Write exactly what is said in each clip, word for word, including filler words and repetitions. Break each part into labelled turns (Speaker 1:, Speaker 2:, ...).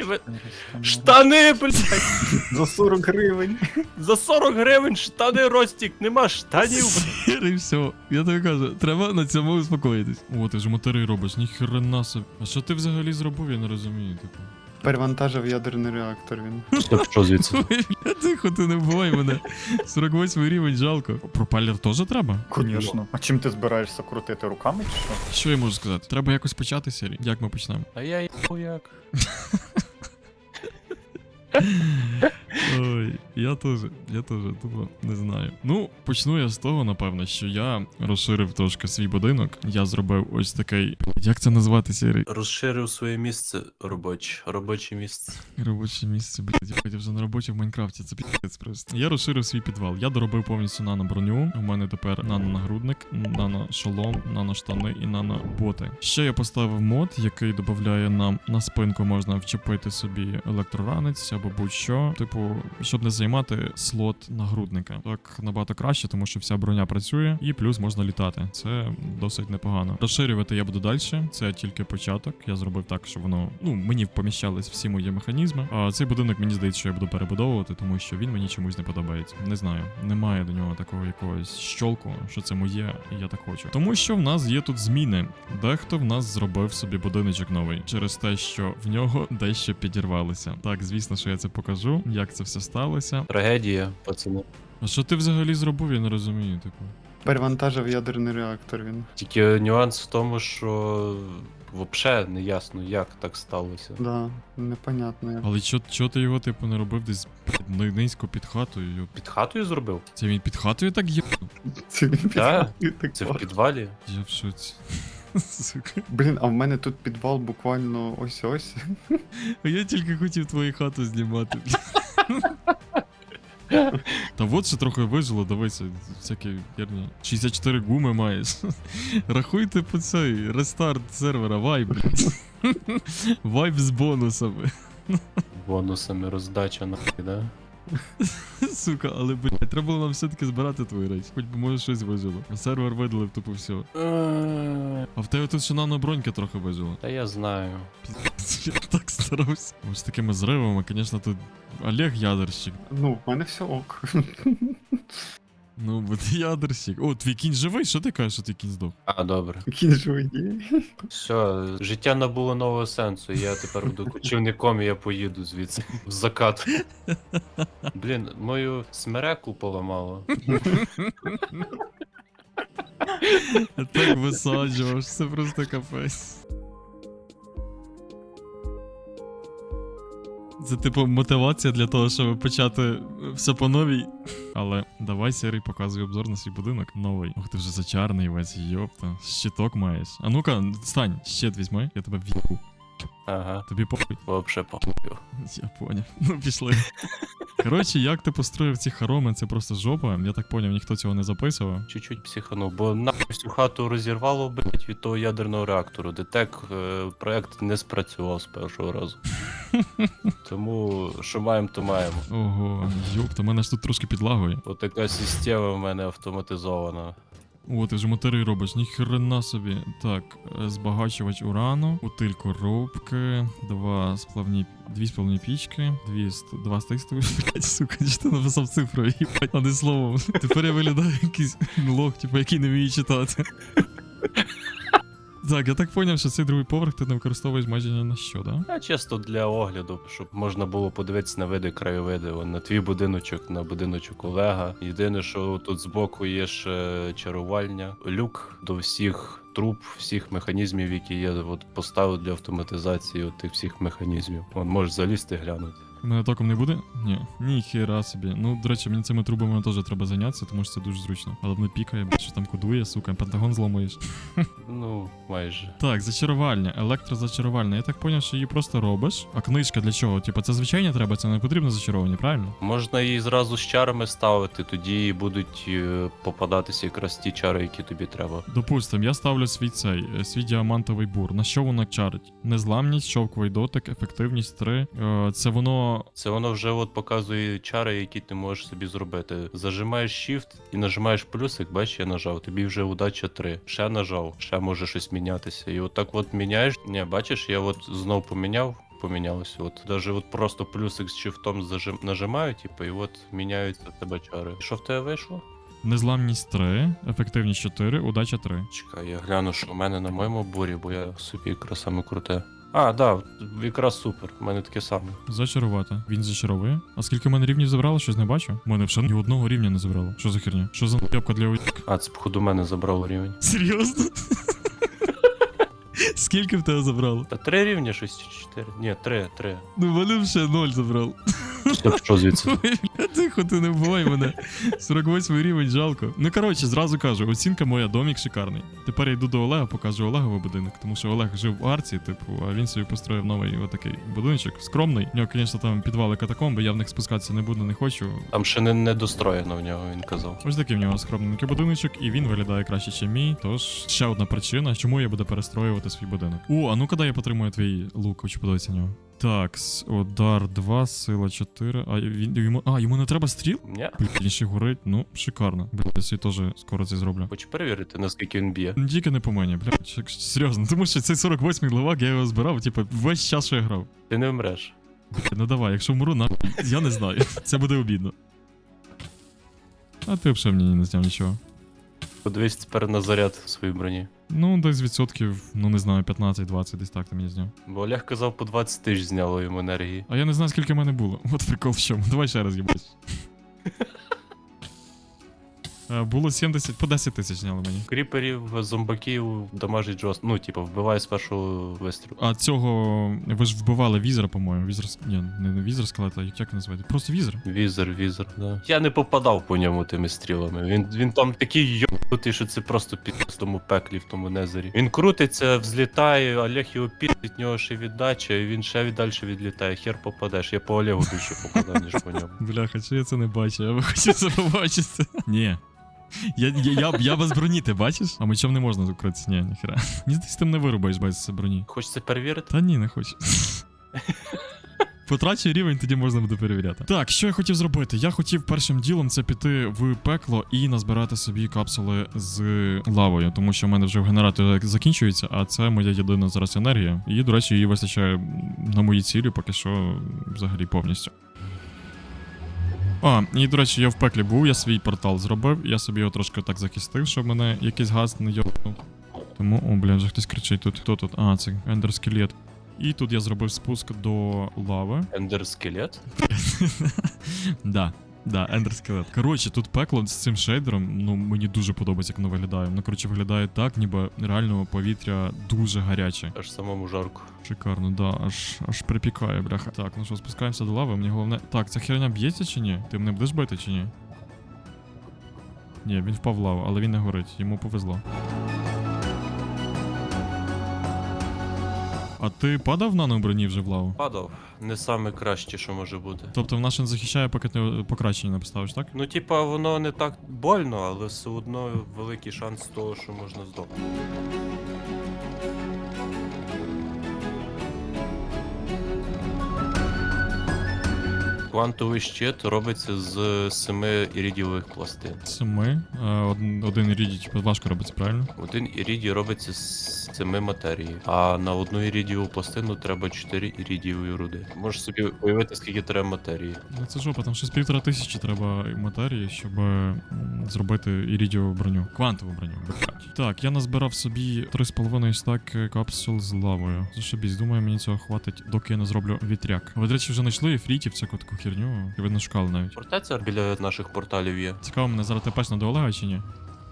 Speaker 1: ви... Штани, блядь!
Speaker 2: За сорок гривень.
Speaker 1: За сорок гривень штани, Ростік, нема штанів.
Speaker 3: Сірий, все. Я тобі кажу, треба на цьому успокоїтись. О, ти ж мотори робиш, ніхрена собі. А що ти взагалі зробив, я не розумію, типу.
Speaker 2: Перевантажив ядерний реактор він.
Speaker 1: Що, що звідси?
Speaker 3: Ой, бля, тихо, ти не вбивай мене. сорок восьмий рівень, жалко. Пропелер теж треба?
Speaker 4: Конечно. А чим ти збираєшся крутити руками чи що?
Speaker 3: Що я можу сказати? Треба якось почати серію. Як ми почнемо?
Speaker 1: А я їбу як.
Speaker 3: Ой, я теж, я теж, тупо не знаю. Ну, почну я з того, напевно, що я розширив трошки свій будинок. Я зробив ось такий. Як це назвати, Сірий?
Speaker 1: Розширив своє місце робоче, робоче місце.
Speaker 3: Робоче місце, блядь, я вже на роботі в Майнкрафті, це піздець просто. Я розширив свій підвал. Я доробив повністю нано-броню. У мене тепер нано-нагрудник, нано-шолом, нано-штани і нано-боти. Ще я поставив мод, який додає нам на спинку можна вчепити собі електроранець або будь-що. Типу, щоб не займати слот нагрудника. Так набагато краще, тому що вся броня працює і плюс можна літати. Це досить непогано. Розширювати я буду далі. Це тільки початок. Я зробив так, щоб воно, ну, мені поміщались всі мої механізми. А цей будинок, мені здається, що я буду перебудовувати, тому що він мені чомусь не подобається. Не знаю. Немає до нього такого якогось щолку, що це моє, і я так хочу. Тому що в нас є тут зміни. Дехто в нас зробив собі будиночок новий через те, що в нього дещо підірвалося. Так, звісно, що я це покажу, як це все сталося.
Speaker 1: Трагедія, пацани.
Speaker 3: А що ти взагалі зробив, я не розумію, типу.
Speaker 2: Перевантажив ядерний реактор він.
Speaker 1: Тільки нюанс в тому, що взагалі не ясно, як так сталося.
Speaker 2: Да, непонятно як.
Speaker 3: Але чо, чо ти його, типу, не робив десь блядь, низько під хатою? йоп?
Speaker 1: Під хатою зробив?
Speaker 3: Це він під хатою так є?
Speaker 2: Це він
Speaker 1: Так,
Speaker 2: підвал- так
Speaker 1: Це в
Speaker 2: класно.
Speaker 1: підвалі?
Speaker 3: Я в шоці. Сука.
Speaker 2: Блін, а в мене тут підвал буквально ось-ось.
Speaker 3: А я тільки хотів твою хату знімати. Та от ще трохи вижило, дивися, всякі херні. шістдесят чотири гуми маєш. Рахуйте по цей рестарт сервера, вайб, блядь. Вайб з бонусами.
Speaker 1: Бонусами роздача нахуй, да?
Speaker 3: Сука, але, блядь, треба було нам все-таки збирати твої речі. Хоч би може щось вижило. Сервер видалив тупо все. А в тебе тут ще нано-бронька трохи вижила.
Speaker 1: Та я знаю.
Speaker 3: Піздець, я так старався. Ось такими зривами, звісно, тут Олег ядерщик.
Speaker 2: Ну, в мене все ок.
Speaker 3: Ну, бо ти ядерщик. О, твій кінь живий? Що ти кажеш, що твій кінь здох?
Speaker 1: А, добре.
Speaker 2: Кінь живий є.
Speaker 1: Все, життя набуло нового сенсу. Я тепер буду кочівником і я поїду звідси. В закат. Блін, мою смереку поламало.
Speaker 3: Я так висаджував, це просто капець. Це типу мотивація для того, щоб почати все по новій. Але давай, Сірий, показуй обзор на свій будинок новий. Ох, ти вже зачарний весь, йопта. Щиток маєш. А ну-ка, стань, щит візьми, я тебе в'їбу.
Speaker 1: Ага,
Speaker 3: Тобі похуй.
Speaker 1: вообще похуй.
Speaker 3: Я поняв. Ну, пішли. Коротше, як ти построїв ці хороми, це просто жопа. Я так поняв, ніхто цього не записував.
Speaker 1: Чуть-чуть психанув, бо нахуй всю хату розірвало, блять, від того ядерного реактору. Детек е, проект не спрацював з першого разу. Тому що маємо, то маємо.
Speaker 3: Ого, йопта, мене ж тут трошки підлагує.
Speaker 1: Отака система в мене автоматизована.
Speaker 3: О, ти вже мотори робиш, ніхрена собі. Так, е, збагачувач урану, утиль коробки, два сплавні, дві сплавні пічки, дві ст- два стикстові, блять, сука, чи ти написав цифру, їбать, а не словом. Тепер я виглядаю якийсь лох, типу, який не вміє читати. Так, я так поняв, що цей другий поверх ти не використовуєш майже ні на що, да?
Speaker 1: А чисто для огляду, щоб можна було подивитися на види, краєвиди. Вон, на твій будиночок, на будиночок Олега. Єдине, що тут збоку є ще чарувальня, люк до всіх труб, всіх механізмів, які є. От поставив для автоматизації от тих всіх механізмів. Вон, можеш залізти глянути.
Speaker 3: У мене током не буде? Ні. Ніхера собі. Ну, до речі, мені цими трубами теж треба зайнятися, тому що це дуже зручно. Але воно пікає, бо що там кодує, сука, пентагон зламуєш.
Speaker 1: Ну, майже.
Speaker 3: Так, зачарувальня, електрозачарувальня. Я так поняв, що її просто робиш. А книжка для чого? Типа, це звичайно треба, це не потрібно зачаровані, правильно?
Speaker 1: Можна її зразу з чарами ставити, тоді будуть е, попадатися якраз ті чари, які тобі треба.
Speaker 3: Допустим, я ставлю свій цей, е, свій діамантовий бур. На що воно чарить? Незламність, шовковий дотик, ефективність три. Е, це воно.
Speaker 1: Це воно вже от показує чари, які ти можеш собі зробити. Зажимаєш Shift і нажимаєш плюсик, бачиш, я нажав, тобі вже удача три. Ще нажав, ще може щось мінятися. І от так от міняєш. Ні, бачиш, я от знов поміняв. помінялося. От даже от просто плюсик з шифтом зажим... нажимаю, типу, і от міняються в тебе чари. Що в тебе вийшло?
Speaker 3: Незламність три, ефективність чотири, удача три.
Speaker 1: Чекай, я гляну, що в мене на моєму бурі, бо я собі якраз саме круте. А, да, якраз супер, в мене таке саме.
Speaker 3: Зачарувати. Він зачаровує. А скільки в мене рівнів забрало, щось не бачу? У мене вже ні одного рівня не забрало. Що за херня? Що за н***ка для уйок?
Speaker 1: А, це походу мене забрало рівень.
Speaker 3: Серйозно? Скільки в тебе забрало?
Speaker 1: Та три рівня, щось чи чотири. Ні, три, три.
Speaker 3: Ну, в мене вже ноль забрало.
Speaker 1: Все, що звідси?
Speaker 3: Ой, бля, тихо, ти не вбивай мене. сорок восьмий рівень, жалко. Ну, коротше, зразу кажу, оцінка моя, домік шикарний. Тепер я йду до Олега, покажу Олеговий будинок, тому що Олег жив в Арці, типу, а він собі построїв новий отакий будиночок, скромний. У нього, звісно, там підвали катакомби, я в них спускатися не буду, не хочу.
Speaker 1: Там ще не, не достроєно в нього, він казав.
Speaker 3: Ось такий в нього скромненький будиночок, і він виглядає краще, ніж мій. Тож ще одна причина, чому я буду перестроювати свій будинок. О, а ну коли я потримую твій лук, хочу подивитися на нього. Так, с- удар два, сила чотири. А він йому. А, йому не треба стріл?
Speaker 1: Ні.
Speaker 3: Блін, він ще горить. Ну, шикарно. Бля, я собі теж скоро це зроблю.
Speaker 1: Хочу перевірити, наскільки він б'є.
Speaker 3: Ну, тільки не по мені, бля, ч- серйозно, тому що цей сорок восьмий левак, я його збирав, типу, весь час, що я грав.
Speaker 1: Ти не вмреш.
Speaker 3: Бля, ну давай, якщо вмру, на я не знаю. Це буде обідно. А ти взагалі мені не зняв нічого.
Speaker 1: Подивись тепер на заряд в своїй броні.
Speaker 3: Ну, десь відсотків, ну не знаю, п'ятнадцять-двадцять, десь так ти мені зняв.
Speaker 1: Бо Олег казав, по двадцять тисяч зняло йому енергії.
Speaker 3: А я не знаю, скільки в мене було. От прикол в чому. Давай ще раз їбать. Е, Було сімдесят, по десять тисяч зняли мені.
Speaker 1: Кріперів, зомбаків дамажить жорстко. Ну, типу, вбиває з першого вистрілу.
Speaker 3: А цього ви ж вбивали візера, по-моєму. Візер. с- Ні, не, не візер скелета, як як називається? Просто візер.
Speaker 1: Візер, візер, да. Я не попадав по ньому тими стрілами. Він, він там такий йобнутий, що це просто під в тому пеклі, в тому незері. Він крутиться, взлітає, Олег його під, від нього ще віддача, і він ще віддальше відлітає. Хер попадеш. Я по Олегу більше попадав, ніж по ньому.
Speaker 3: Бляха, чи я це не бачу, я би хотів це побачити. Ні. Я, я, я, я без броні, ти бачиш? А мечом не можна закритися, ні, ніхера. Ні, ти з тим не вирубаєш без броні.
Speaker 1: Хочеться перевірити?
Speaker 3: Та ні, не хочу. Потрачу рівень, тоді можна буде перевіряти. Так, що я хотів зробити? Я хотів першим ділом це піти в пекло і назбирати собі капсули з лавою, тому що в мене вже в генераторі закінчується, а це моя єдина зараз енергія. І, до речі, її вистачає на мої цілі, поки що взагалі повністю. А, і, до речі, я в пеклі був, я свій портал зробив, я собі його трошки так захистив, щоб мене якийсь газ не йобнув. Тому, о, бля, вже хтось кричить тут. Хто тут? А, це ендерскелет. І тут я зробив спуск до лави.
Speaker 1: Ендер скелет?
Speaker 3: Да, да, ендерскелет. Коротше, тут пекло з цим шейдером, ну мені дуже подобається, як воно виглядає. Ну, коротше, виглядає так, ніби реально повітря дуже гаряче.
Speaker 1: Аж самому жарко.
Speaker 3: Шикарно, да, аж аж припікає, бляха. Так, ну що, спускаємося до лави, мені головне. Так, ця херня б'ється чи ні? Ти мене будеш бити чи ні? Ні, він впав в лаву, але він не горить, йому повезло. А ти падав на броні вже в лаву?
Speaker 1: Падав. Не саме краще, що може бути.
Speaker 3: Тобто вона ще не захищає, поки ти покращення не поставиш, так?
Speaker 1: Ну, типа, воно не так больно, але все одно великий шанс того, що можна здохнути. Квантовий щит робиться з семи іридієвих пластин.
Speaker 3: Семи. Е, од- Один ірідій, типу, важко робиться, правильно?
Speaker 1: Один іридій робиться з семи матерії, а на одну іридієву пластину треба чотири іридієві руди. Можеш собі уявити, скільки треба матерії.
Speaker 3: Ну це жопа, там щось півтора тисячі треба матерії, щоб м, зробити ірідієву броню. Квантову броню, блядь. Так, я назбирав собі три з половиною стаки капсул з лавою. Зашибісь, думаю, мені цього хватить, доки я не зроблю вітряк. Ви, до речі, вже знайшли ефрітів, всяку таку херню. І ви не шукали навіть.
Speaker 1: Фортеця біля наших порталів є.
Speaker 3: Цікаво, мене зараз тепешно до Олега чи ні?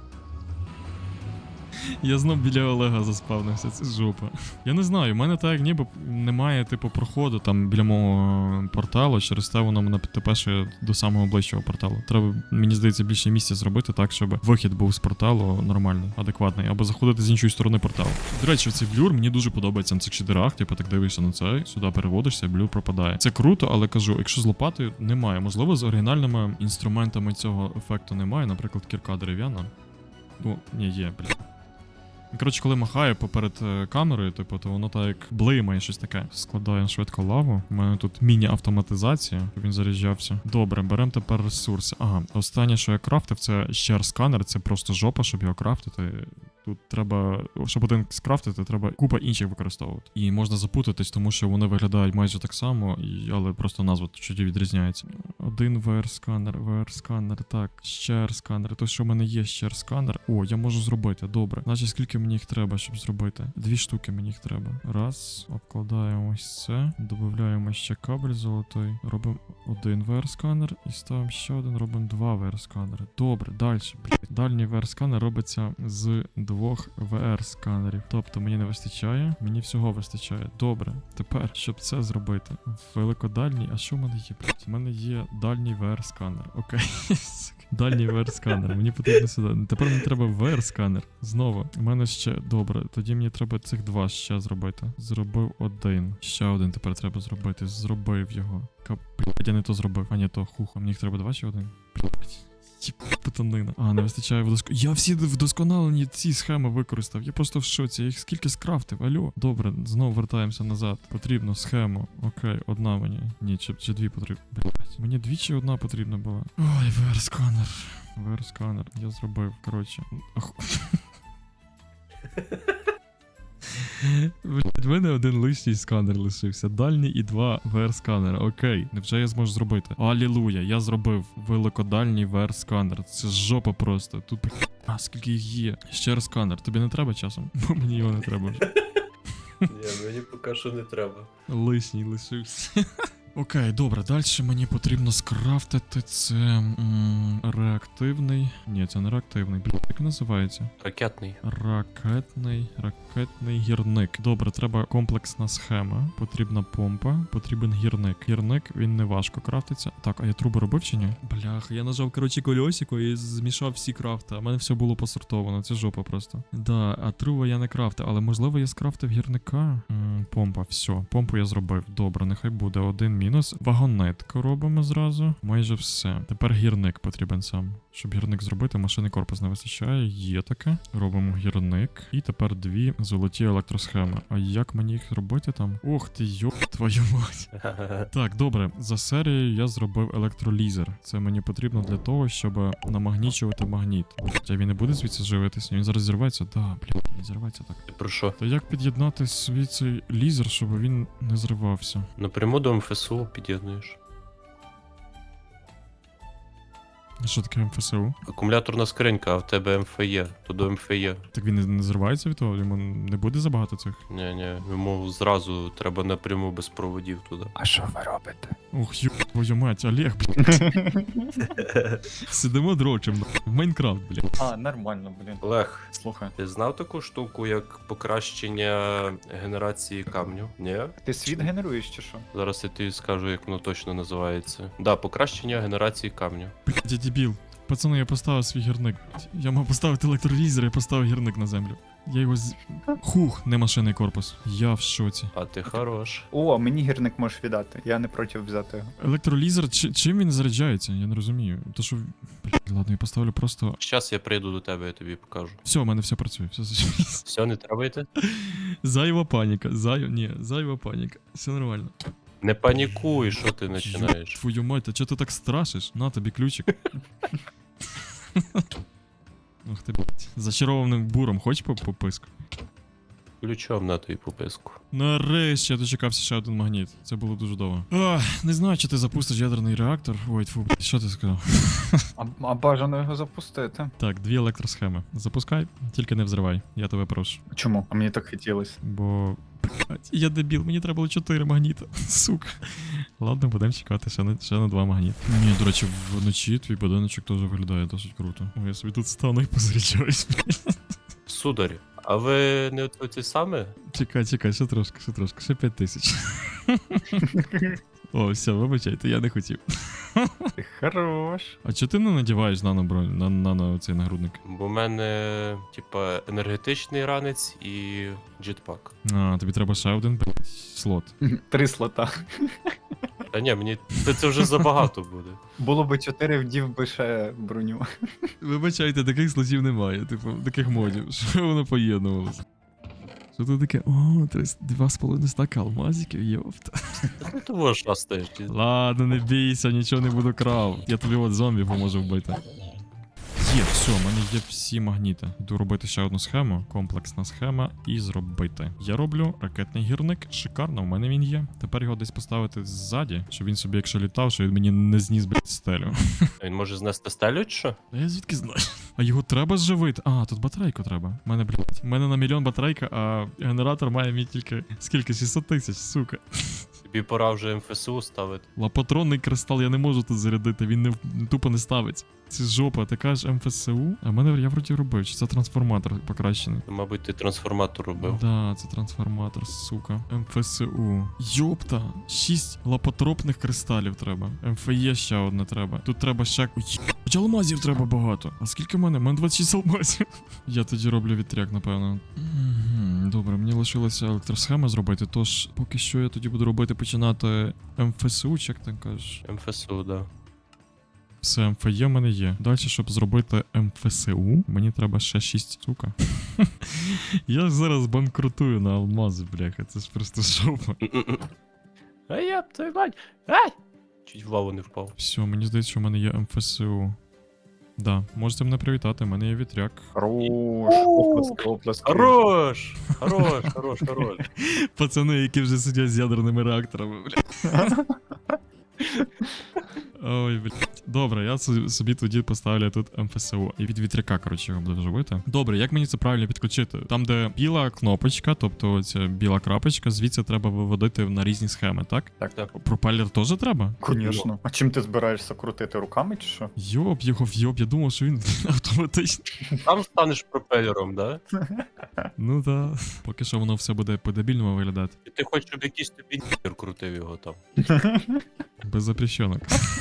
Speaker 3: Я знов біля Олега заспавнився, це жопа. Я не знаю, в мене так як ніби немає типу проходу там біля мого порталу, через те воно мене тепеше до самого ближчого порталу. Треба, мені здається, більше місця зробити так, щоб вихід був з порталу нормальний, адекватний, або заходити з іншої сторони порталу. До речі, цей блюр мені дуже подобається на цих шедерах, типу так дивишся на це, сюди переводишся, блюр пропадає. Це круто, але кажу, якщо з лопатою немає, можливо, з оригінальними інструментами цього ефекту немає, наприклад, кірка дерев'яна. Ну, ні, є, блядь. Коротше, коли махає поперед е, камерою, типу, то воно так як блимає щось таке. Складаємо швидко лаву. У мене тут міні-автоматизація, щоб він заряджався. Добре, беремо тепер ресурси. Ага, останнє, що я крафтив, це ще сканер, це просто жопа, щоб його крафтити. Тут треба, щоб один скрафтити, треба купа інших використовувати. І можна запутатись, тому що вони виглядають майже так само, і, але просто назва чуть відрізняється. Один ве ар-сканер, ве ар-сканер, так, ще ар-сканер. То, що в мене є ще ар-сканер. О, я можу зробити, добре. Значить, скільки мені їх треба, щоб зробити? Дві штуки мені їх треба. Раз, обкладаємо ось це, додаємо ще кабель золотий, робимо один ве ар-сканер і ставимо ще один, робимо два ве ар-сканери. Добре, далі. Дальній ве ар-сканер робиться з двох ве ар-сканерів. Тобто мені не вистачає, мені всього вистачає. Добре. Тепер, щоб це зробити, великодальній, а що в мене є? блядь? У мене є дальній ве ар-сканер. Окей. Дальній ве ар-сканер. Мені потрібно сюди. Тепер мені треба ве ар-сканер. Знову. У мене ще добре. Тоді мені треба цих два ще зробити. Зробив один. Ще один тепер треба зробити. Зробив його. Кап... Блядь, я не то зробив. А ні, то хух. А мені їх треба два чи один? Блядь. Путанина. А, не вистачає вдоск... Я всі вдосконалені ці схеми використав. Я просто в шоці. Я їх скільки скрафтив. Алло. Добре, знову вертаємося назад. Потрібно схему. Окей, одна мені. Ні, чи, чи дві потрібно. Блять. Мені дві чи одна потрібна була. Ой, ве ар-сканер. ве ар-сканер. Я зробив, коротше. Ах. Блять, в мене один лишній сканер лишився. Дальній і два ве ар-сканера. Окей, невже я зможу зробити? Алілуя, я зробив великодальній ве ар-сканер. Це жопа просто. Тут а скільки їх є. Ще ар-сканер. Тобі не треба часом? Бо мені його не треба вже.
Speaker 1: Ні, мені поки що не треба.
Speaker 3: Лишній лишився. Окей, добре, далі мені потрібно скрафтити це м, реактивний. Ні, це не реактивний. Блін, як називається?
Speaker 1: Ракетний.
Speaker 3: Ракетний, ракетний гірник. Добре, треба комплексна схема. Потрібна помпа, потрібен гірник. Гірник, він не важко крафтиться. Так, а я труби робив чи ні? Блях, я нажав, коротше, кольосико і змішав всі крафти. А в мене все було посортовано, це жопа просто. Да, а труби я не крафтив, але можливо я скрафтив гірника. М, помпа, все, помпу я зробив. Добре, нехай буде один мінус. Вагонетку робимо зразу. Майже все. Тепер гірник потрібен сам. Щоб гірник зробити, машини корпус не вистачає. Є таке. Робимо гірник. І тепер дві золоті електросхеми. А як мені їх робити там? Ох ти, йоп твою мать. Так, добре. За серією я зробив електролізер. Це мені потрібно для того, щоб намагнічувати магніт. А він не буде звідси живитися? Він зараз зірветься? Да, блядь, він зірветься так.
Speaker 1: Ти про що?
Speaker 3: Та як під'єднати свій цей лізер, щоб він не зривався?
Speaker 1: Напряму до ем еф ес у під'єднуєш.
Speaker 3: Що таке ем еф ес у?
Speaker 1: Акумуляторна скринька, а в тебе ем еф є, то до ем еф є.
Speaker 3: Так він не, не зривається від того? Йому не буде забагато цих?
Speaker 1: Ні, ні, йому зразу треба напряму без проводів туди.
Speaker 2: А що ви робите?
Speaker 3: Ох, ю, твою мать, Олег, блядь. Сидимо дрочим, в Майнкрафт, блядь.
Speaker 4: А, нормально, блін.
Speaker 1: Олег,
Speaker 4: Слухай.
Speaker 1: ти знав таку штуку, як покращення генерації камню? Ні?
Speaker 4: Ти світ генеруєш чи що?
Speaker 1: Зараз я тобі скажу, як воно точно називається. Да, покращення генерації камню.
Speaker 3: Блядь, я дебіл. Пацани, я поставив свій гірник. Я мав поставити електролізер, я поставив гірник на землю. Я його з... Хух, не машинний корпус. Я в шоці.
Speaker 1: А ти хорош.
Speaker 4: О, мені гірник можеш віддати. Я не проти взяти його.
Speaker 3: Електролізер, чи, чим він заряджається? Я не розумію. То що... Блядь, ладно, я поставлю просто...
Speaker 1: Щас я прийду до тебе, я тобі покажу.
Speaker 3: Все, у мене все працює, все зачепись.
Speaker 1: Все, не треба йти?
Speaker 3: Зайва паніка, зайва... Ні, зайва паніка. Все нормально.
Speaker 1: Не панікуй, що ти починаєш.
Speaker 3: Ёб твою мать, а чого ти так страшиш? На тобі ключик. Ух ти, блядь. Зачарованим буром, хоч по пописку?
Speaker 1: Ключом на твою пописку.
Speaker 3: Нарешті я дочекався ще один магніт. Це було дуже довго. А, не знаю, чи ти запустиш ядерний реактор. Ой, тьфу, блядь, що ти сказав?
Speaker 4: А, а бажано його запустити.
Speaker 3: Так, дві електросхеми. Запускай, тільки не взривай. Я тебе прошу.
Speaker 4: Чому? А мені так хотілося.
Speaker 3: Бо. Блядь, я дебіл, мені треба було чотири магніта. Сука. Ладно, будемо чекати ще на, ще на два магніти. Ні, до речі, вночі твій будиночок теж виглядає досить круто. Ой, я собі тут стану і позаряджаюсь.
Speaker 1: Сударі, а ви не оці саме?
Speaker 3: Чекай, чекай, ще трошки, ще трошки, ще п'ять тисяч. О, все, вибачайте, я не хотів.
Speaker 4: Ти хорош.
Speaker 3: А чого ти не надіваєш нано бронь, на, нано цей нагрудник?
Speaker 1: Бо в мене, типа, енергетичний ранець і джетпак.
Speaker 3: А, тобі треба ще один блядь, слот.
Speaker 4: Три слота.
Speaker 1: Та ні, мені це, це вже забагато буде.
Speaker 4: Було би чотири, вдів би ще броню.
Speaker 3: Вибачайте, таких слотів немає, типу, таких модів. Що воно поєднувалося? Що це таке? О, три, два з половиною стака алмазиків, йофта.
Speaker 1: Ну того ж шастаєш.
Speaker 3: Ладно, не бійся, нічого не буду крав. Я тобі от зомбі поможу вбити. Є, все, в мене є всі магніти. Йду робити ще одну схему, комплексна схема, і зробити. Я роблю ракетний гірник, шикарно, в мене він є. Тепер його десь поставити ззаді, щоб він собі, якщо літав, що він мені не зніс, блядь, стелю.
Speaker 1: Він може знести стелю, чи що?
Speaker 3: А я звідки знаю? А його треба зживити? А, тут батарейку треба. У мене, блядь, у мене на мільйон батарейка, а генератор має мій тільки скільки? шістсот тисяч, сука.
Speaker 1: Тобі пора вже ем еф ес у ставити.
Speaker 3: Лапатронний кристал я не можу тут зарядити, він не в- тупо не ставиться. Це жопа, ти кажеш ем еф ес у? А в мене я вроді робив, чи це трансформатор покращений?
Speaker 1: Мабуть, ти трансформатор робив.
Speaker 3: Да, це трансформатор, сука. ем еф ес у. Йопта, шість лапотропних кристалів треба. ем еф є ще одне треба. Тут треба ще. Ой, єбать, алмазів треба багато. А скільки в мене? У мене двадцять шість алмазів. Я тоді роблю вітряк, напевно. Мгм, добре, мені лишилося електросхема зробити, тож поки що я тоді буду робити починати ем еф ес у, чи як там кажеш?
Speaker 1: ем еф ес у, да.
Speaker 3: Все, ем еф є в мене є. Далі, щоб зробити ем еф ес у, мені треба ще шість, сука. Я ж зараз банкрутую на алмази, бляха, це ж просто жопа.
Speaker 1: М-м-м. А я б твою мать! Ай! Чуть в лаву не впав.
Speaker 3: Все, мені здається, що в мене є ем еф ес у. Да, можете мене привітати, в мене є вітряк.
Speaker 4: Хорош. Оплески, оплески.
Speaker 1: Хорош! Хорош, хорош, хорош.
Speaker 3: Пацани, які вже сидять з ядерними реакторами, блядь. Ой, блядь. Добре, я со- собі тоді поставлю тут ем еф ес у. І від вітряка, коротше, його буду вживати. Добре, як мені це правильно підключити? Там, де біла кнопочка, тобто ця біла крапочка, звідси треба виводити на різні схеми, так?
Speaker 1: Так, так.
Speaker 3: Пропелер теж треба?
Speaker 4: Конечно. А чим ти збираєшся крутити руками чи що?
Speaker 3: Йоп, його в йоп, я думав, що він автоматичний.
Speaker 1: Там станеш пропелером, да?
Speaker 3: Ну да. Поки що воно все буде по-дебільному виглядати.
Speaker 1: І ти хочеш, щоб якийсь тобі нігер крутив його там.
Speaker 3: Без запрещенок.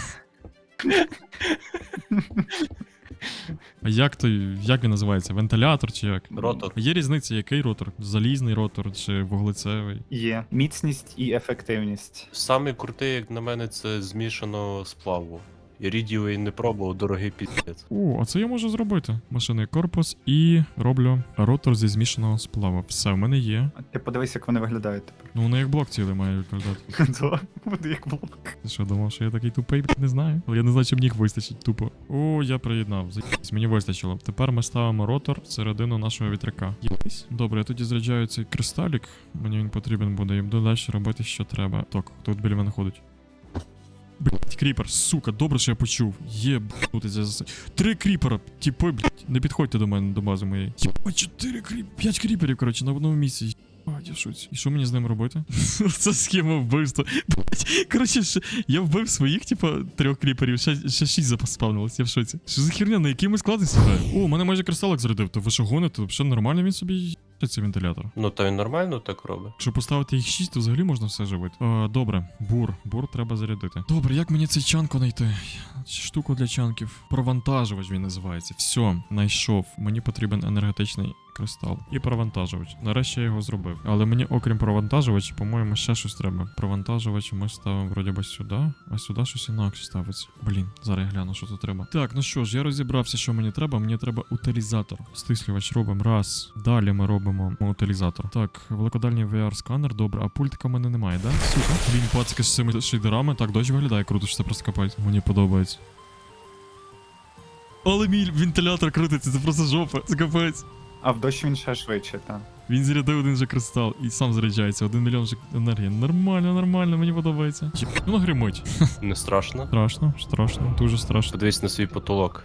Speaker 3: А як той, як він називається? Вентилятор чи як?
Speaker 1: Ротор.
Speaker 3: Є різниця, який ротор? Залізний ротор чи вуглецевий?
Speaker 4: Є. Міцність і ефективність.
Speaker 1: Самий крутий, як на мене, це змішано сплаву. Ірідієвий не пробував, дорогий піздець.
Speaker 3: О, а це я можу зробити. Машинний корпус і роблю ротор зі змішаного сплаву. Все, в мене є.
Speaker 4: А ти подивись, як вони виглядають тепер.
Speaker 3: Ну, воно як блок цілий має виглядати.
Speaker 4: Да, буде як блок.
Speaker 3: Ти що, думав, що я такий тупий, блядь, не знаю. Але я не знаю, чи мені їх вистачить тупо. О, я приєднав. Заєбись, мені вистачило. Тепер ми ставимо ротор всередину нашого вітряка. Єбись. Добре, я тоді заряджаю цей кристалік. Мені він потрібен буде. І буду далі робити, що треба. Так, хто тут біля мене ходить? Блять, кріпер, сука, добре, що я почув. Єбнутися за... Три кріпера, типи, блять, не підходьте до мене, до бази моєї. Єба, чотири кріп... П'ять кріперів, коротше, на одному місці. Єбать, я в шоці. І що мені з ним робити? Це схема вбивства. Блять, коротше, ще... я вбив своїх, типа, трьох кріперів, ще, ще шість запаспавнилось, я в шоці. Що за херня, на який ми склади сідає? О, мене майже кристалик зарядив, то ви що гоните? Взагалі нормально він собі є цей вентилятор.
Speaker 1: Ну, то він нормально так робить.
Speaker 3: Якщо поставити їх шість, то взагалі можна все живити. Е, добре, бур. Бур треба зарядити. Добре, як мені цей чанку знайти? Штуку для чанків. Провантажувач він називається. Все, знайшов. Мені потрібен енергетичний кристал. І провантажувач. Нарешті я його зробив. Але мені, окрім провантажувача, по-моєму, ще щось треба. Провантажувач ми ставимо вроді би сюди, а сюди щось інакше ставиться. Блін, зараз я гляну, що тут треба. Так, ну що ж, я розібрався, що мені треба. Мені треба утилізатор. Стислювач робимо. Раз. Далі ми робимо утилізатор. Так, великодальний ві ар-сканер, добре. А пультика в мене немає, да? Сука. Блін, пацки з цими шейдерами. Так, дощ виглядає круто, що це просто копають. Мені подобається. Але мій вентилятор крутиться, це просто жопа. Це капець.
Speaker 4: А в дощ він ще швидше, так.
Speaker 3: Він зарядив один же кристал і сам заряджається. Один мільйон же енергії. Нормально, нормально, мені подобається. Єб, ну гримить.
Speaker 1: Не страшно.
Speaker 3: Страшно, страшно, дуже страшно.
Speaker 1: Подивись на свій потолок.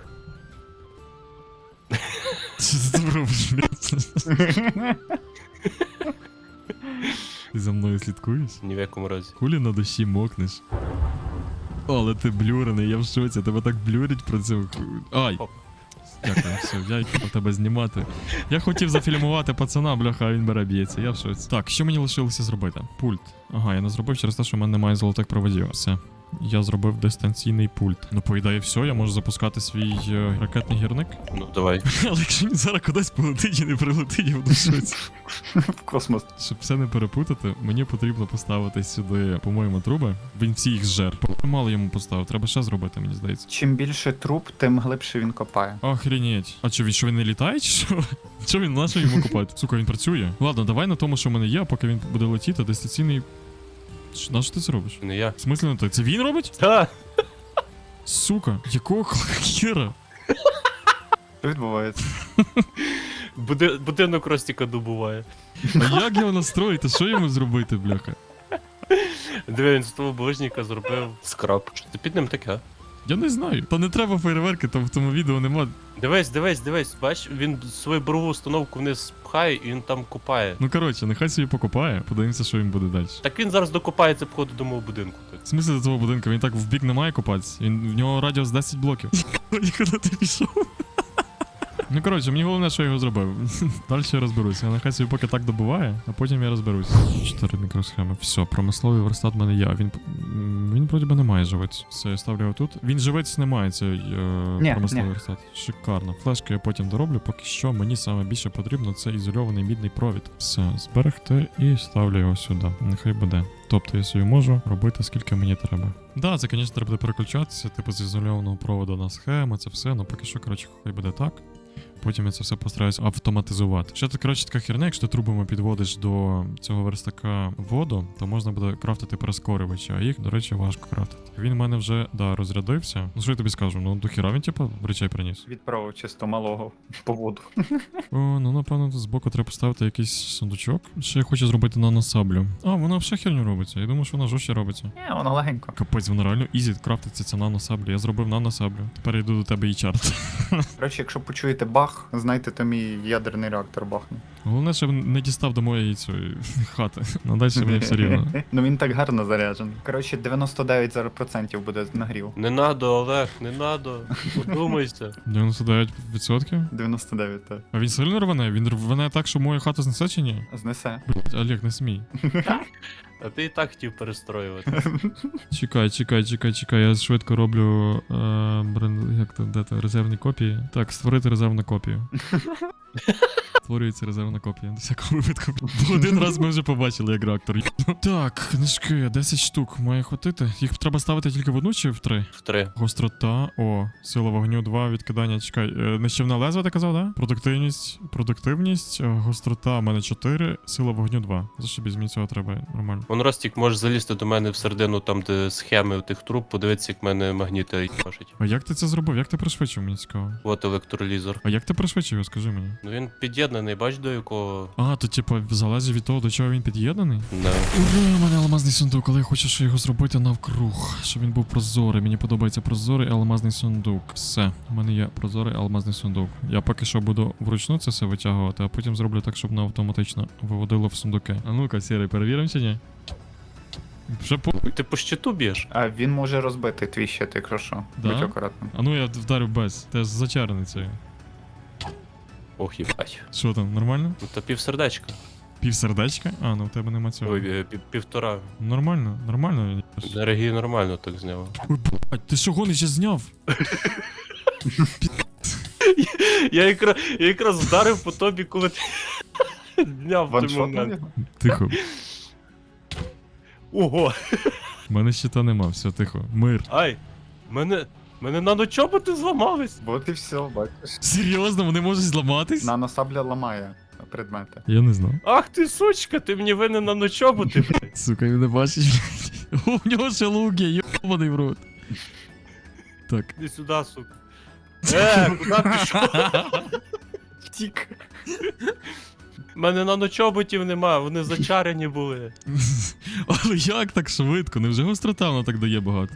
Speaker 3: Що ти там робиш, блядь? Ти за мною слідкуєш?
Speaker 1: Ні в якому разі.
Speaker 3: Кулі на душі мокнеш. Але ти блюрений, я в шоці, тебе так блюрять про це. Ай!
Speaker 1: Оп.
Speaker 3: Дякую, все, я йду тебе знімати. Я хотів зафільмувати пацана, бляха, а він бере б'ється, я в шоці. Так, що мені лишилося зробити? Пульт. Ага, я не зробив через те, що в мене немає золотих проводів. Все. Я зробив дистанційний пульт. Ну, по ідеї, все, я можу запускати свій е, ракетний гірник.
Speaker 1: Ну, давай.
Speaker 3: Але якщо він зараз кудись полетить і не прилетить, я буду в шоці.
Speaker 4: В космос.
Speaker 3: Щоб все не перепутати, мені потрібно поставити сюди, по-моєму, труби. Він всі їх зжер. Мало йому поставив, треба ще зробити, мені здається.
Speaker 4: Чим більше труб, тим глибше він копає.
Speaker 3: Охренеть. А що, він що він не літає, чи що? Що він, на що йому купати? Сука, він працює. Ладно, давай на тому, що в мене є, а поки він буде летіти, дистанційний. Ш- На що ти це робиш?
Speaker 1: Не я.
Speaker 3: В смислі не так? Це він робить?
Speaker 1: Та!
Speaker 3: Сука, якого хера?
Speaker 4: Що відбувається?
Speaker 1: Буди... Будинок Ростіка добуває.
Speaker 3: А як його настроїти? Що йому зробити, бляха?
Speaker 1: Диви, він з того булочника зробив скраб. Що ти під ним таке?
Speaker 3: Я не знаю. Та не треба фейерверки, там в тому відео нема.
Speaker 1: Дивись, дивись, дивись, бач, він свою борову установку вниз пхає і він там копає.
Speaker 3: Ну коротше, нехай собі покопає, подивимося, що він буде далі.
Speaker 1: Так він зараз докопається походу до мого будинку. Так.
Speaker 3: В смислі до твого будинку, він так в бік не має копатися. Він, в нього радіус десять блоків. Нікуди ти пішов. Ну коротше, мені головне, що я його зробив. Далі я розберуся. Нехай собі поки так добуває, а потім я розберусь. Чотири мікросхеми. Все, промисловий верстат в мене є. Він м, він вроді би не має живець. Все, я ставлю його тут. Він живець не має, цей е,
Speaker 4: Ні,
Speaker 3: промисловий
Speaker 4: ні.
Speaker 3: верстат. Шикарно. Флешки я потім дороблю. Поки що мені саме більше потрібно це ізольований мідний провід. Все, зберегти і ставлю його сюди. Нехай буде. Тобто я собі можу робити скільки мені треба. Да, це, звісно, треба буде переключатися, типу з ізольованого проводу на схему, це все, ну поки що, коротше, хай буде так. Потім я це все постараюсь автоматизувати. Ще тут, коротше, така херня, якщо ти трубами підводиш до цього верстака воду, то можна буде крафтити прискорювачі, а їх, до речі, важко крафтити. Він в мене вже, да, розрядився. Ну що я тобі скажу, ну до хіра він, типу, речей приніс.
Speaker 4: Відправив чисто малого по воду.
Speaker 3: О, ну напевно, тут збоку треба поставити якийсь сундучок. Ще я хочу зробити наносаблю. А, вона вже херню робиться. Я думаю, що вона жорстче робиться.
Speaker 4: Ні, воно легенько.
Speaker 3: Капець, вона реально ізі крафтиться ця наносаблю. Я зробив наносаблю. Тепер я йду до тебе і чарт.
Speaker 4: Коротше, якщо почуєте бах, знайте, то мій ядерний реактор бахне.
Speaker 3: Головне, щоб не дістав до моєї цієї хати. Ну далі мені все рівно.
Speaker 4: Ну він так гарно заряджений. Коротше, дев'яносто дев'ять зараз процентів буде нагрів.
Speaker 1: Не надо, Олег, не надо. Подумайся.
Speaker 3: дев'яносто дев'ять відсотків?
Speaker 4: дев'яносто дев'ять, так.
Speaker 3: А він сильно рване? Він рване так, що мою хату знесе чи ні?
Speaker 4: Знесе.
Speaker 3: Блять, Олег, не смій.
Speaker 1: А ти і так хотів перестроювати.
Speaker 3: Чекай, чекай, чекай, чекай, я швидко роблю е, брен... як то, де то, резервні копії. Так, створити резервну копію. Створюється резервна копія. До всякого випадку. Бо один раз ми вже побачили, як реактор. Ну, так, книжки, десять штук має хватити. Їх треба ставити тільки в одну чи в три?
Speaker 1: В три.
Speaker 3: Гострота, о, сила вогню два, відкидання, чекай. Е, нищівна лезва, ти казав, да? Продуктивність, продуктивність, е, гострота в мене чотири, сила вогню два. Зашибіть, мені цього треба нормально.
Speaker 1: Вон Ростік, можеш залізти до мене всередину, там де схеми у тих труб, подивитися, як в мене магніти пашуть.
Speaker 3: А як ти це зробив? Як ти пришвидшив, мені цікаво?
Speaker 1: От електролізор.
Speaker 3: А як ти пришвидшив його, скажи мені?
Speaker 1: Ну він під'єднаний, бач до якого.
Speaker 3: А, то типа залежить від того, до чого він під'єднаний?
Speaker 1: Да.
Speaker 3: Ура, у мене алмазний сундук, але я хочу ще його зробити навкруг, щоб він був прозорий. Мені подобається прозорий алмазний сундук. Все, у мене є прозорий алмазний сундук. Я поки що буду вручну це все витягувати, а потім зроблю так, щоб воно автоматично виводило в сундуки. А ну-ка, сірий, перевіримо чи ні? Вже по.
Speaker 1: Ти по щиту б'єш?
Speaker 4: А він може розбити твій щит, якщо що.
Speaker 3: Да?
Speaker 4: Будь акуратним.
Speaker 3: А ну я вдарю без. Ти ж зачарений цей.
Speaker 1: Ох, їбать.
Speaker 3: Що там, нормально?
Speaker 1: Ну то півсердечка.
Speaker 3: Пів сердечка? А, ну в тебе нема цього.
Speaker 1: Ой, е, пів- півтора.
Speaker 3: Нормально, нормально.
Speaker 1: Енергії нормально так зняв.
Speaker 3: Ой, блядь, ти що гониш, я зняв?
Speaker 1: Я якраз, я якраз вдарив по тобі, коли ти зняв в той
Speaker 4: Ваншотнув
Speaker 1: момент.
Speaker 4: його?
Speaker 3: Тихо.
Speaker 1: Ого!
Speaker 3: У мене щита нема, все, тихо. Мир.
Speaker 1: Ай! Мене. Мене наночоботи зламались!
Speaker 4: От і все, бачиш.
Speaker 3: Серйозно, вони можуть зламатись?
Speaker 4: Наносабля ламає предмети.
Speaker 3: Я не знав.
Speaker 1: Ах ти сучка, ти мені винен наночоботи, блядь.
Speaker 3: Сука, він не бачиш, блядь. У нього ще луки, йобаний в рот. Так.
Speaker 1: Іди сюди, сука. Е, куди пішов?
Speaker 4: Втік.
Speaker 1: У мене наночоботів нема, вони зачарені були.
Speaker 3: Але як так швидко? Невже гострота вона так дає багато?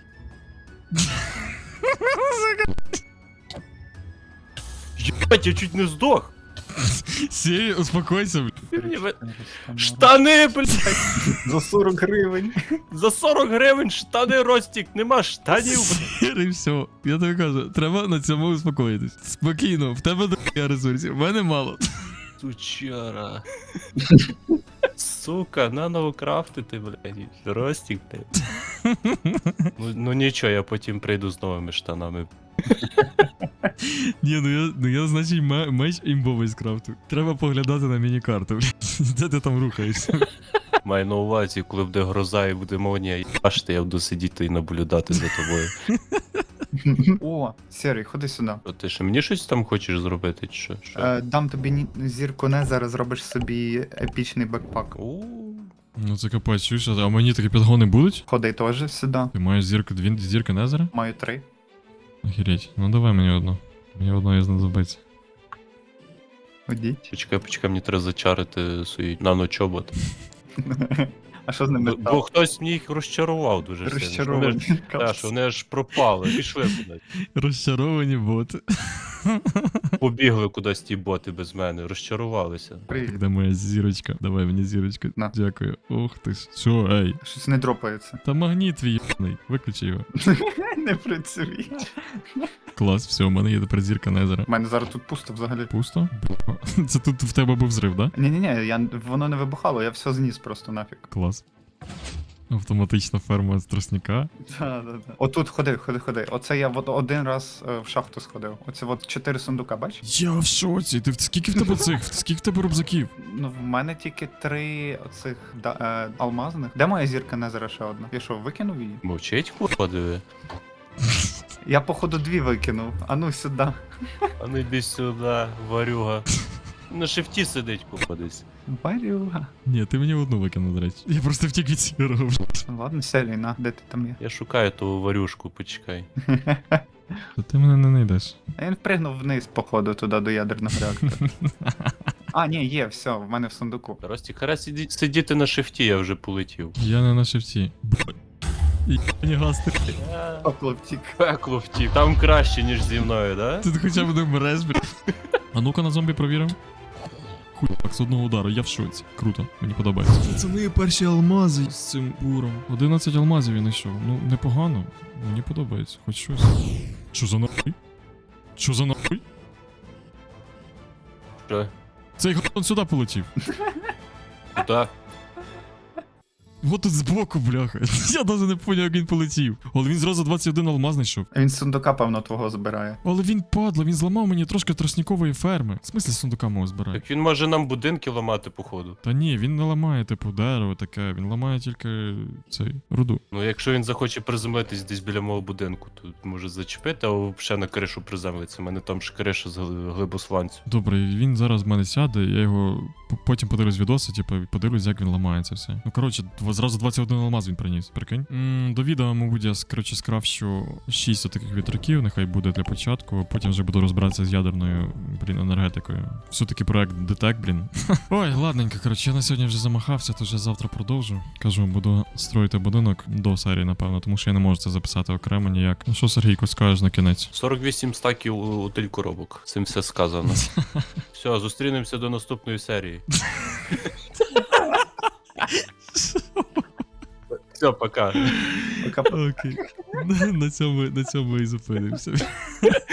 Speaker 1: Єбать, я чуть не здох.
Speaker 3: Сірі, успокойся, блядь.
Speaker 1: Ти мені ви- Штани, блядь!
Speaker 4: За сорок гривень.
Speaker 1: За сорок гривень штани, Ростік, нема штанів, блядь.
Speaker 3: Сірий, все. Я тобі кажу, треба на цьому успокоїтись. Спокійно, в тебе до ресурсів, в мене мало.
Speaker 1: Сучара. Сука, наново крафтити, блядь. Ростік, блядь. Ну, ну нічого, я потім прийду з новими штанами.
Speaker 3: Ні, ну я, ну я значить, ме- меч імбовий скрафту. Треба поглядати на міні-карту, блядь. Де ти там рухаєшся?
Speaker 1: Маю на увазі, коли буде гроза і буде молнія, бачите, я буду сидіти і наблюдати за тобою.
Speaker 4: О, Сірий, ходи сюди.
Speaker 1: О, ти ще мені щось там хочеш зробити, чи що? Що?
Speaker 4: Е, дам тобі ні- зірку не, зараз зробиш собі епічний бекпак.
Speaker 1: У,
Speaker 3: Ну це капець, чуєш, а мені такі підгони будуть?
Speaker 4: Ходи теж сюди.
Speaker 3: Ти маєш зірку, дві зірки Незера?
Speaker 4: Маю три.
Speaker 3: Охереть. Ну давай мені одну. Мені одної знадобиться.
Speaker 4: Ходіть.
Speaker 1: Почекай, почекай, мені треба зачарити свій наночобот.
Speaker 4: А що з ними
Speaker 1: Бо, бо
Speaker 4: стало?
Speaker 1: хтось мені їх розчарував дуже сильно. що вони ж-
Speaker 4: Розчаровані.
Speaker 1: Так, що вони аж пропали, пішли кудись.
Speaker 3: Розчаровані боти.
Speaker 1: Побігли кудись ті боти без мене, розчарувалися.
Speaker 4: Привіт.
Speaker 3: Де моя зірочка? Давай мені зірочку.
Speaker 4: На.
Speaker 3: Дякую. Ох ти ж. Що, ей?
Speaker 4: Щось не дропається.
Speaker 3: Та магніт твій єбаний. Виключи його.
Speaker 4: Не працює.
Speaker 3: Клас, все, у мене є тепер зірка Незера.
Speaker 4: У мене зараз тут пусто взагалі.
Speaker 3: Пусто? Бля. Це тут в тебе був зрив, да?
Speaker 4: Ні-ні-ні, я, воно не вибухало, я все зніс просто нафіг.
Speaker 3: Клас. Автоматична ферма з тростника.
Speaker 4: Так, так, так. Отут ходи, ходи, ходи. Оце я от один раз е, в шахту сходив. Оце от чотири сундука, бач?
Speaker 3: Я в шоці. Ти в- скільки в тебе цих? Скільки в тебе рюкзаків?
Speaker 4: Ну, в мене тільки три оцих да, е, алмазних. Де моя зірка Незера ще одна? Я що, викинув її?
Speaker 1: Мовчить, курва, диви.
Speaker 4: Я, походу, дві викинув. А ну сюди.
Speaker 1: А ну йди сюди, варюга. На шифті сидить, курва, десь.
Speaker 4: Барюга.
Speaker 3: Ні, ти мені одну викинув, до речі. Я просто втік від сірого.
Speaker 4: Ладно, селі, на, де ти там є?
Speaker 1: Я шукаю ту варюшку, почекай.
Speaker 3: То ти мене не знайдеш.
Speaker 4: А він впригнув вниз, походу, туди до ядерного реактора. А, ні, є, все, в мене в сундуку.
Speaker 1: Рості, хара сиді- сидіти на шифті, я вже полетів.
Speaker 3: Я не на шифті. Б- Єбані гасти.
Speaker 4: О, хлопчик.
Speaker 1: Пекло втік. Там краще, ніж зі мною, да?
Speaker 3: Тут хоча б не вмреш, блядь. А ну-ка на зомбі провіримо. Хуй, так, з одного удару, я в шоці. Круто, мені подобається. Це мої перші алмази з цим буром. одинадцять алмазів я знайшов. Ну, непогано. Мені подобається, хоч щось. Що за нахуй? Що за нахуй?
Speaker 1: Що?
Speaker 3: Цей гон сюди полетів.
Speaker 1: Куда?
Speaker 3: Вот тут збоку, бляха. Я навіть не поняв, як він полетів. Але він зразу двадцять один алмаз знайшов.
Speaker 4: Він з сундука, певно, твого збирає.
Speaker 3: Але він падла, він зламав мені трошки тростникової ферми. В смислі сундука мого збирає?
Speaker 1: Так він може нам будинки ламати, походу.
Speaker 3: Та ні, він не ламає, типу, дерево таке, він ламає тільки цей руду.
Speaker 1: Ну, якщо він захоче приземлитись десь біля мого будинку, то може зачепити, а взагалі на кришу приземлиться. У мене там ж криша з гли- глибосланцю.
Speaker 3: Добре, він зараз в мене сяде, я його п- потім подивлюсь відоси, типу, і подивлюсь, як він ламається все. Ну коротше, дв- зразу двадцять один алмаз він приніс, прикинь. м до відео, мабуть, я с- коротше скрафчу шість таких вітраків, нехай буде для початку. Потім вже буду розбиратися з ядерною, блін, енергетикою. Все-таки проект Детек, блін. Ой, ладненько, коротше, я на сьогодні вже замахався, то вже завтра продовжу. Кажу, буду строїти будинок до серії, напевно, тому що я не можу це записати окремо ніяк. Ну що, Сергійко, скажеш на кінець?
Speaker 1: сорок вісім стаків у- утиль коробок. Цим все сказано. Все, зустрінемося до наступної серії. Все, пока.
Speaker 4: Пока
Speaker 3: Окей. На цьому, на цьому і зупинимося.